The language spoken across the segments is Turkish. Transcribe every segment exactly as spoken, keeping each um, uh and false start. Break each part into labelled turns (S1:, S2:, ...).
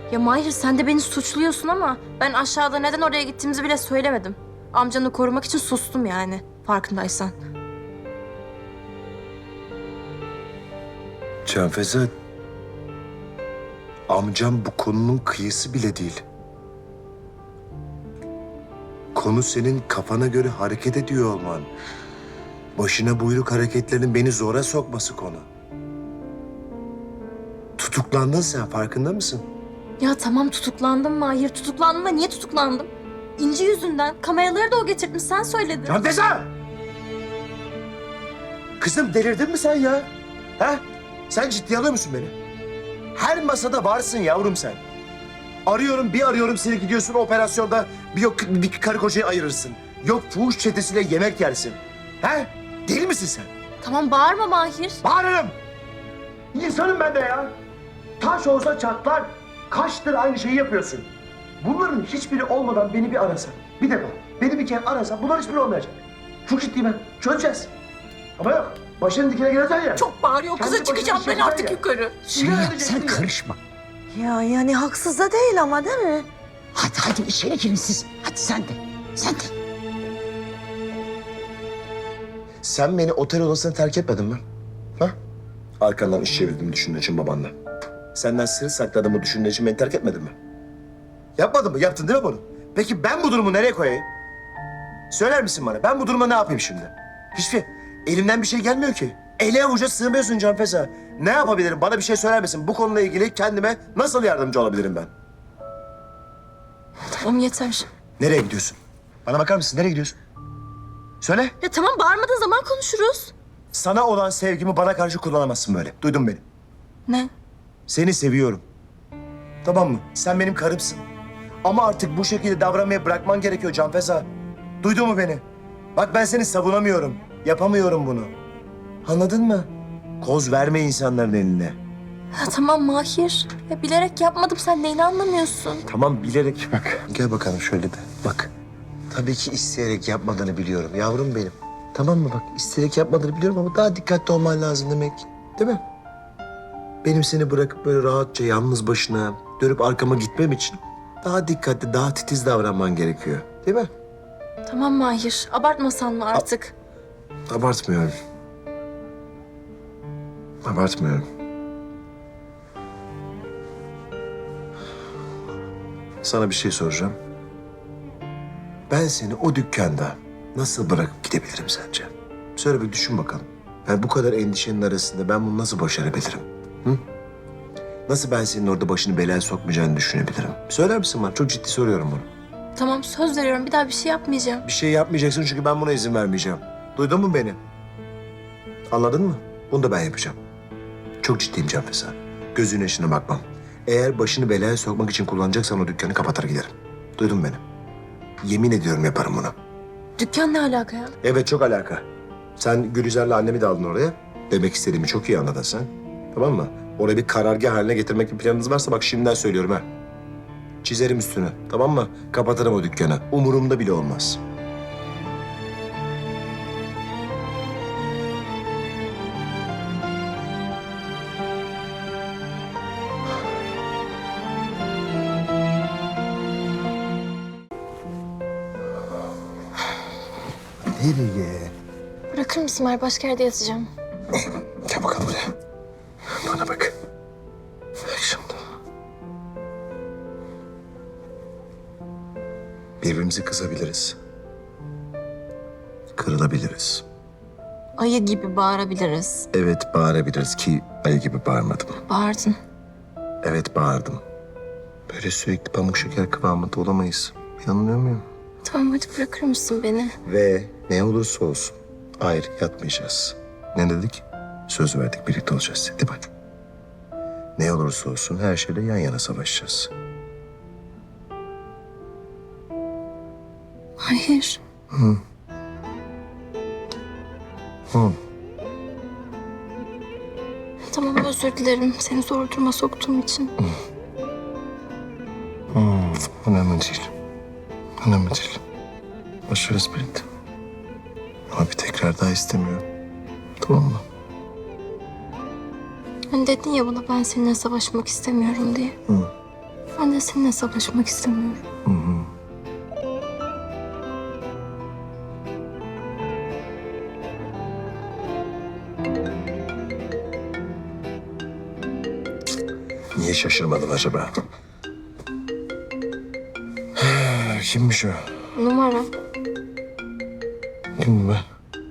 S1: Ya Mahir sen de beni suçluyorsun ama ben aşağıda neden oraya gittiğimizi bile söylemedim. Amcanı korumak için sustum yani farkındaysan.
S2: Canfeza, amcam bu konunun kıyısı bile değil. Konu senin kafana göre hareket ediyor olman. Başına buyruk hareketlerin beni zora sokması konu. Tutuklandın sen, farkında mısın?
S1: Ya tamam tutuklandım Mahir, tutuklandım da niye tutuklandım? İnci yüzünden. Kameraları da o getirtmiş, sen söyledin.
S2: Canfeza! Kızım delirdin mi sen ya? Ha? Sen ciddiye alıyor musun beni? Her masada varsın yavrum sen. Arıyorum, bir arıyorum seni, gidiyorsun operasyonda bir yok bir karı kocayı ayırırsın. Yok fuhuş çetesiyle yemek yersin. He? Deli misin sen?
S1: Tamam bağırma Mahir.
S2: Bağırırım. İnsanım ben de ya. Taş olsa çatlar. Kaçtır aynı şeyi yapıyorsun. Bunların hiçbiri olmadan beni bir arasan. Bir defa. Beni bir kere arasan bunların hiçbiri olmayacak. Çok ciddiyim ben. Çözeceğiz. Ama yok. Başının dikine geleceksin ya.
S1: Çok bağırıyor, kıza
S2: Kendi
S1: çıkacağım
S2: başına
S1: ben
S2: şey
S1: artık
S2: ya.
S1: yukarı.
S3: Süreyya sen karışma.
S4: Ya yani haksız da değil ama değil mi?
S3: Hadi hadi içeri girin siz. Hadi sen de. Sen de.
S2: Sen beni otel odasına terk etmedin mi? Ha? Arkandan iş çevirdiğimi düşündüğün için babanla. Senden sır sakladığımı düşündüğün için beni terk etmedin mi? Yapmadın mı? Yaptın değil mi bunu? Peki ben bu durumu nereye koyayım? Söyler misin bana? Ben bu duruma ne yapayım şimdi? Hiçbir elimden bir şey gelmiyor ki. Ele avuca sığmıyorsun Canfeza. Ne yapabilirim? Bana bir şey söyler misin? Bu konuyla ilgili kendime nasıl yardımcı olabilirim ben?
S1: Tamam yeter.
S2: Nereye gidiyorsun? Bana bakar mısın? Nereye gidiyorsun? Söyle.
S1: Ya tamam bağırmadığın zaman konuşuruz.
S2: Sana olan sevgimi bana karşı kullanamazsın böyle. Duydun beni.
S1: Ne?
S2: Seni seviyorum. Tamam mı? Sen benim karımsın. Ama artık bu şekilde davranmaya bırakman gerekiyor Canfeza. Duydun mu beni? Bak ben seni savunamıyorum. Yapamıyorum bunu. Anladın mı? Koz verme insanların eline.
S1: Ya tamam Mahir. Ya bilerek yapmadım, sen neyini anlamıyorsun?
S2: Tamam bilerek bak. Gel bakalım şöyle de. Bak. Tabii ki isteyerek yapmadığını biliyorum yavrum benim. Tamam mı bak? İsteyerek yapmadığını biliyorum ama daha dikkatli olman lazım demek. Değil mi? Benim seni bırakıp böyle rahatça yalnız başına dönüp arkama gitmem için daha dikkatli, daha titiz davranman gerekiyor. Değil mi?
S1: Tamam Mahir, abartmasan mı artık?
S2: Abartmıyorum. Abartmıyorum. Sana bir şey soracağım. Ben seni o dükkanda nasıl bırakıp gidebilirim sence? Söyle bir düşün bakalım. Yani bu kadar endişenin arasında ben bunu nasıl başarabilirim? Hı? Nasıl ben senin orada başını belaya sokmayacağını düşünebilirim? Söyler misin bana? Çok ciddi soruyorum bunu.
S1: Tamam söz veriyorum, bir daha bir şey yapmayacağım.
S2: Bir şey yapmayacaksın çünkü ben buna izin vermeyeceğim. Duydun mu beni? Anladın mı? Bunu da ben yapacağım. Çok ciddiyim Canfeza. Gözünün yaşına bakmam. Eğer başını belaya sokmak için kullanacaksan o dükkanı kapatır giderim. Duydun mu beni? Yemin ediyorum yaparım bunu.
S1: Dükkan ne alaka ya?
S2: Evet çok alaka. Sen Gülizar'la annemi de aldın oraya. Demek istediğimi çok iyi anladın sen. Tamam mı? Orayı bir karargah haline getirmek bir planınız varsa bak şimdiden söylüyorum ha. Çizerim üstünü. Tamam mı? Kapatırım o dükkanı. Umurumda bile olmaz. Nereye?
S1: Bırakır mısın Mahir? Başka yerde yatacağım.
S2: Gel bakalım buraya. Bana bak. Bak şimdi. Birbirimize kızabiliriz. Kırılabiliriz.
S1: Ayı gibi bağırabiliriz.
S2: Evet bağırabiliriz ki ayı gibi bağırmadım.
S1: Bağırdın.
S2: Evet bağırdım. Böyle sürekli pamuk şeker kıvamında olamayız. Yanılıyor muyum?
S1: Tamam hadi bırakır mısın beni?
S2: Ve ne olursa olsun ayrı yatmayacağız. Ne dedik? Söz verdik birlikte olacağız. Hadi bak. Ne olursa olsun her şeyle yan yana savaşacağız.
S1: Hayır.
S2: Hı. Hı.
S1: Tamam özür dilerim seni zor duruma soktuğum için.
S2: Hmm, önemli değil. Önemli değil. Boş ver espriydi. Ama bir tekrar daha istemiyorum. Tamam mı?
S1: Hani dedin ya bana ben seninle savaşmak istemiyorum diye.
S2: Hı.
S1: Ben Ben de seninle hesaplaşmak istemiyorum.
S2: Hı hı. Niye şaşırmadım acaba? Kimmiş o?
S1: Numara.
S2: Kim bu be?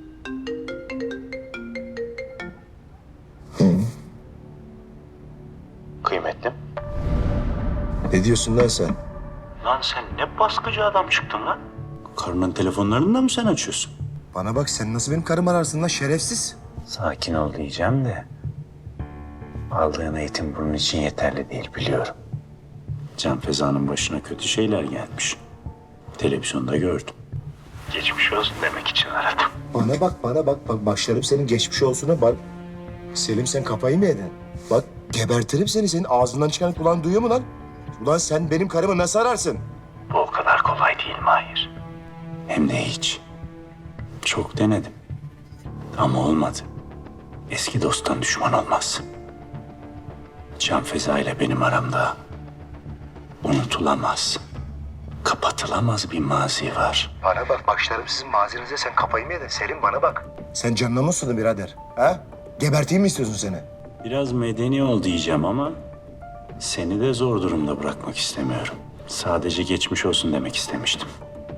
S5: Kıymetlim.
S2: Ne diyorsun lan sen?
S5: Lan sen ne baskıcı adam çıktın lan? Karının telefonlarını da mı sen açıyorsun?
S2: Bana bak, sen nasıl benim karımı ararsın lan şerefsiz?
S5: Sakin ol diyeceğim de... aldığın eğitim bunun için yeterli değil biliyorum. Can Feza'nın başına kötü şeyler gelmiş. Televizyonda gördüm. Geçmiş olsun demek için aradım.
S2: Bana bak, bana bak. Bak başlarım senin geçmiş olsuna bak. Selim, sen kafayı mı yedin? Bak gebertirim seni. Senin ağzından çıkan kulağın duyuyor mu lan? Ulan sen benim karımı nasıl ararsın?
S5: Bu o kadar kolay değil Mahir. Hem de hiç. Çok denedim. Ama olmadı. Eski dosttan düşman olmaz. Can Feza ile benim aramda unutulamaz, kapatılamaz bir mazi var.
S2: Bana bak, başlarım sizin mazinize. Sen kafayı mı yedin? Selim bana bak. Sen canına mı susadın birader? Ha? Geberteyim mi istiyorsun seni?
S5: Biraz medeni ol diyeceğim ama seni de zor durumda bırakmak istemiyorum. Sadece geçmiş olsun demek istemiştim.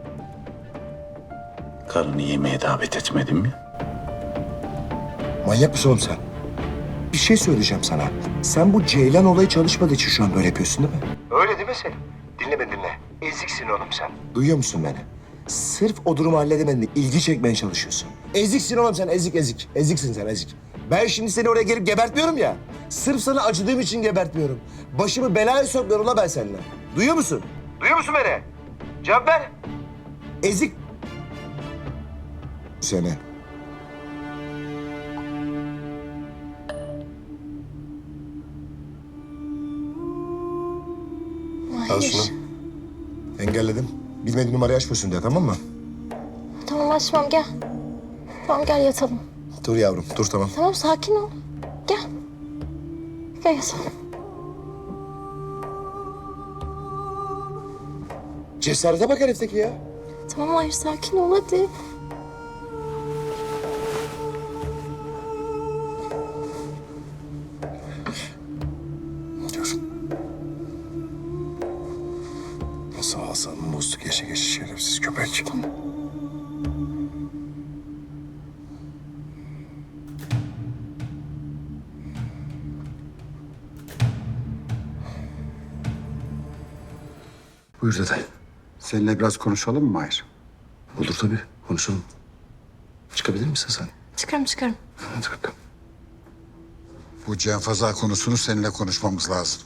S5: Karını yemeğe davet etmedim mi?
S2: Manyak mısın oğlum sen? Bir şey söyleyeceğim sana. Sen bu Ceylan olayı çalışmadığı için şu an böyle yapıyorsun değil mi? Öyle değil mi Selim? Dinle beni dinle. Eziksin oğlum sen. Duyuyor musun beni? Sırf o durumu halledemedin de ilgi çekmeye çalışıyorsun. Eziksin oğlum sen, ezik ezik. Eziksin sen, ezik. Ben şimdi seni oraya gelip gebertmiyorum ya. Sırf sana acıdığım için gebertmiyorum. Başımı belaya sokmuyorum la ben seninle. Duyuyor musun? Duyuyor musun beni? Cevap ver. Ezik. Seni. Al şunu. Engelledim. Bilmediğin numarayı açmıyorsun diye, tamam mı?
S1: Tamam açmam gel. Tamam gel yatalım.
S2: Dur yavrum, dur tamam.
S1: Tamam sakin ol. Gel. Gel yatalım.
S2: Cesarete bak herifteki ya.
S1: Tamam hayır sakin ol hadi.
S2: Dur. Nasıl ağzını bozdu geçe geçe şerefsiz köpek. Tamam. Buyur dede.
S6: Seninle biraz konuşalım mı Mahir?
S2: Olur tabii, konuşalım. Çıkabilir misin sen?
S1: Çıkarım çıkarım.
S2: Hadi bakalım.
S6: Bu Cenfaza konusunu seninle konuşmamız lazım.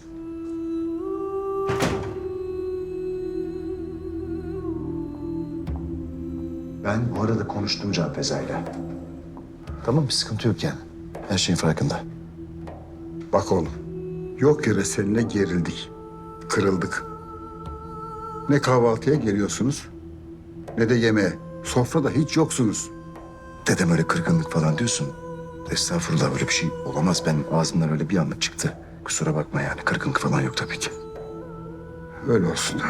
S2: Ben bu arada konuştum Can Feza'yla. Tamam, bir sıkıntı yok yani. Her şeyin farkında.
S6: Bak oğlum, yok yere seninle gerildik, kırıldık. Ne kahvaltıya geliyorsunuz, ne de yemeğe. Sofrada hiç yoksunuz.
S2: Dedem öyle kırgınlık falan diyorsun. Estağfurullah, böyle bir şey olamaz. Ben ağzımdan öyle bir anda çıktı. Kusura bakma yani, kırgınlık falan yok tabii ki.
S6: Öyle olsun.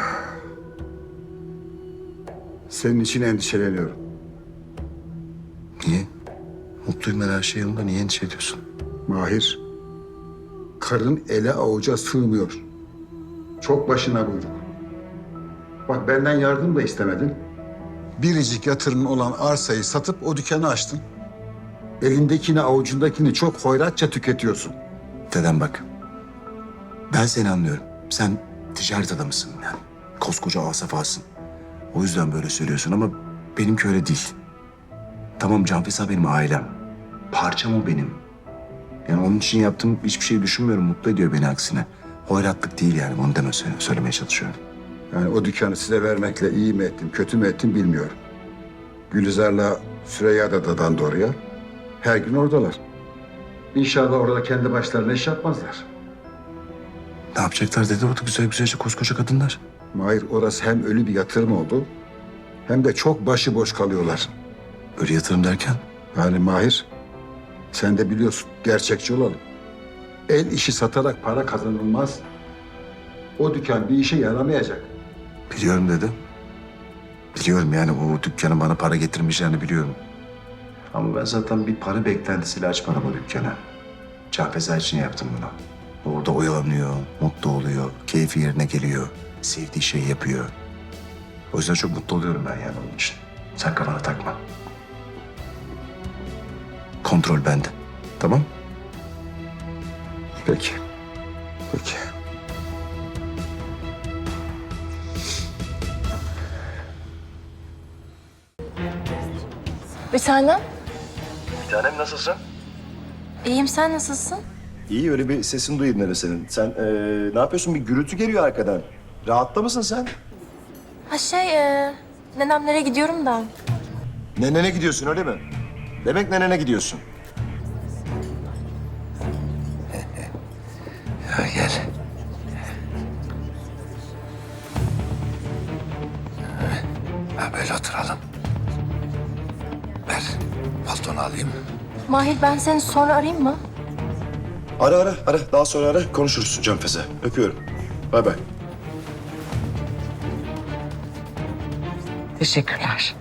S6: Senin için endişeleniyorum.
S2: Niye? Mutluyum ben, her şey yolunda. Niye endişe ediyorsun?
S6: Mahir, karın ele avuca sığmıyor. Çok başına buyruk. Bak benden yardım da istemedin. Biricik yatırımın olan arsayı satıp o dükkanı açtın. Elindekini avucundakini çok hoyratça tüketiyorsun.
S2: Dedem bak. Ben seni anlıyorum. Sen ticaret adamısın yani. Koskoca asafasın. O yüzden böyle söylüyorsun ama benimki öyle değil. Tamam, Can Feza benim ailem. Parçam o benim. Yani onun için yaptığım hiçbir şey düşünmüyorum. Mutlu ediyor beni aksine. Hoyratlık değil yani. Onu deme söyle, söylemeye çalışıyorum.
S6: Yani o dükkanı size vermekle iyi mi ettim, kötü mü ettim bilmiyorum. Gülizar'la Süreyya da dadan doğruya. Her gün oradalar. İnşallah orada kendi başlarına iş yapmazlar.
S2: Ne yapacaklar dedi orada güzel güzelce koskoca kadınlar.
S6: Mahir, orası hem ölü bir yatırım oldu, hem de çok başıboş kalıyorlar.
S2: Öyle yatırım derken?
S6: Yani Mahir, sen de biliyorsun, gerçekçi olalım. El işi satarak para kazanılmaz. o dükkan bir işe yaramayacak.
S2: Biliyorum dedi. Biliyorum yani o dükkanın bana para getirmeyeceğini biliyorum. Ama ben zaten bir para beklentisiyle açmadım o dükkanı. Canfeza için yaptım bunu. Orada oyalanıyor, mutlu oluyor, keyfi yerine geliyor, sevdiği şeyi yapıyor. O yüzden çok mutlu oluyorum ben yani onun için. Sen kafana takma. Kontrol bende. Tamam? Peki. Peki.
S1: Bir tanem.
S2: Bir tanem nasılsın?
S1: İyiyim, sen nasılsın?
S2: İyi, öyle bir sesin duyayım öyle senin. Sen ee, ne yapıyorsun? Bir gürültü geliyor arkadan. Rahatta mısın sen?
S1: Ha şey, e, nenemlere gidiyorum da.
S2: Nenene gidiyorsun öyle mi? Demek nenene gidiyorsun.
S7: Ya gel. Ha böyle oturalım. Ver, paltonu alayım.
S1: Mahir, ben seni sonra arayayım mı?
S2: Ara ara ara. Daha sonra ara. Konuşuruz Canfeze. Öpüyorum. Bay bay.
S3: Teşekkürler.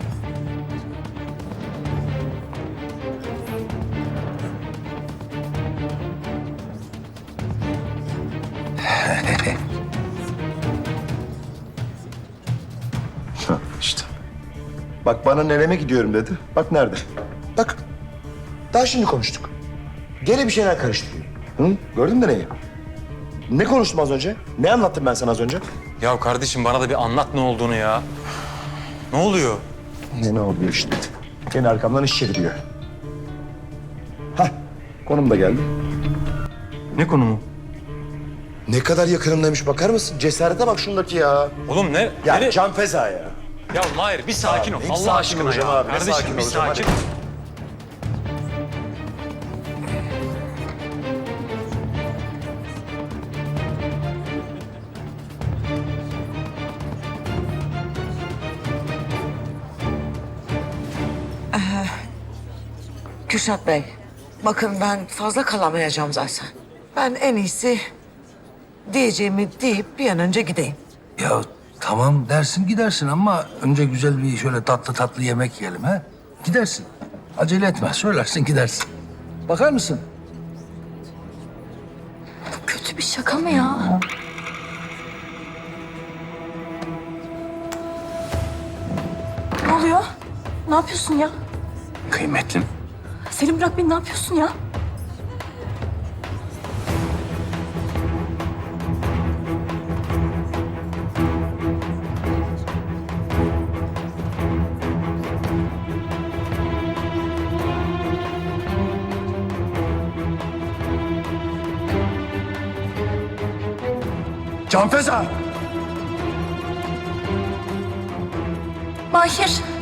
S2: Hah, işte. Bak bana neneme gidiyorum dedi. Bak nerede? Bak. Daha şimdi konuştuk. Gene bir şeyler karıştırıyor. Hı? Gördün mü neyi? Ne konuştum az önce? Ne anlattım ben sana az önce?
S8: Ya kardeşim bana da bir anlat ne olduğunu ya. Ne oluyor?
S2: Ne ne oluyor işte. Gene arkamdan iş çeviriyor. Hah. Konum da geldi.
S8: Ne konumu?
S2: Ne kadar yakınımdaymış bakar mısın? Cesarete bak şundaki ya.
S8: Oğlum ne?
S2: Ya
S8: Nere-
S2: Can Feza ya.
S8: Ya Mahir bir sakin ol.
S2: Abi,
S8: Allah
S2: sakin
S8: aşkına
S2: olacağım
S8: ya.
S2: abi, ne
S8: Kardeşim
S2: sakin
S8: bir
S2: olacağım,
S8: sakin.
S2: hadi.
S4: Kürşat Bey, bakın ben fazla kalamayacağım zaten. Ben en iyisi diyeceğimi deyip bir an önce gideyim.
S7: Ya tamam dersin gidersin ama önce güzel bir şöyle tatlı tatlı yemek yiyelim ha. Gidersin. Acele etme. Söylersin gidersin. Bakar mısın?
S1: Bu kötü bir şaka mı ya? Ne oluyor? Ne yapıyorsun ya?
S5: Kıymetlim.
S1: Selim bırak beni, ne yapıyorsun ya?
S2: Can Feza!
S1: Mahir.